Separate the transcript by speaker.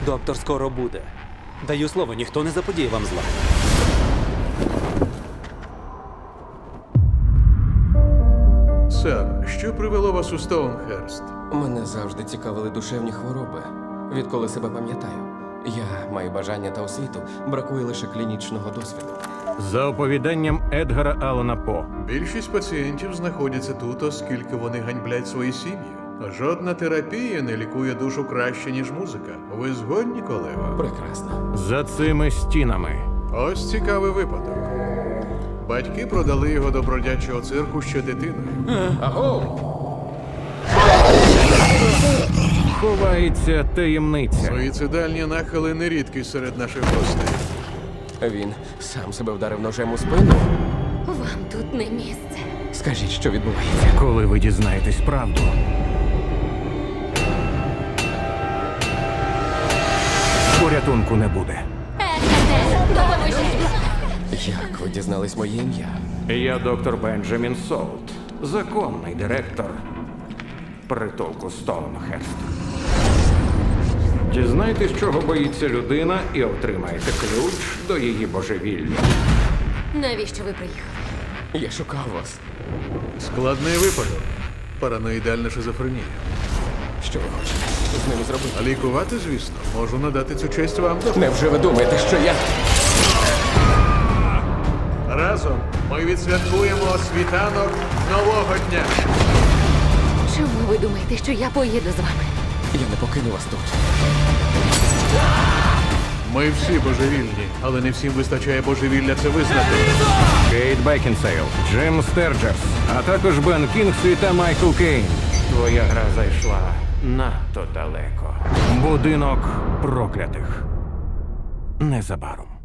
Speaker 1: Доктор скоро буде. Даю слово, ніхто не заподіє вам зла.
Speaker 2: Сер, що привело вас у Стоунхерст?
Speaker 3: Мене завжди цікавили душевні хвороби. Відколи себе пам'ятаю. Я маю бажання та освіту, бракує лише клінічного досвіду.
Speaker 4: За оповіданням Едгара Аллана По.
Speaker 2: Більшість пацієнтів знаходяться тут, оскільки вони ганьблять свої сім'ї. Жодна терапія не лікує душу краще, ніж музика. Ви згодні, колего?
Speaker 3: Прекрасно.
Speaker 4: За цими стінами.
Speaker 2: Ось цікавий випадок. Батьки продали його до бродячого цирку ще дитиною.
Speaker 3: Аго!
Speaker 4: Ховається таємниця.
Speaker 2: Суїцидальні нахили не рідкість серед наших гостей.
Speaker 3: Він сам себе вдарив ножем у спину.
Speaker 5: Вам тут не місце.
Speaker 3: Скажіть, що відбувається?
Speaker 4: Коли ви дізнаєтесь правду, порятунку не буде.
Speaker 5: Егерте, допоможіть!
Speaker 3: Як ви дізнались моє ім'я?
Speaker 4: Я доктор Бенджамін Солт, законний директор притулку Стоунхерст. Дізнайтесь, чого боїться людина, і отримаєте ключ до її божевілля.
Speaker 5: Навіщо ви приїхали?
Speaker 3: Я шукав вас.
Speaker 2: Складний випадок. Параноїдальна шизофренія.
Speaker 3: Що ви хочете з ними зробити?
Speaker 2: А лікувати, звісно, можу надати цю честь вам.
Speaker 3: Невже ви думаєте, що я...
Speaker 2: Разом ми відсвяткуємо світанок нового дня.
Speaker 5: Чому ви думаєте, що я поїду з вами?
Speaker 3: Я не покину вас тут.
Speaker 2: Ми всі божевільні, але не всім вистачає божевілля це визнати.
Speaker 4: Кейт Бекінсейл, Джим Стерджерс, а також Бен Кінгсві та Майкл Кейн. Твоя гра зайшла надто далеко. Будинок проклятих. Незабаром.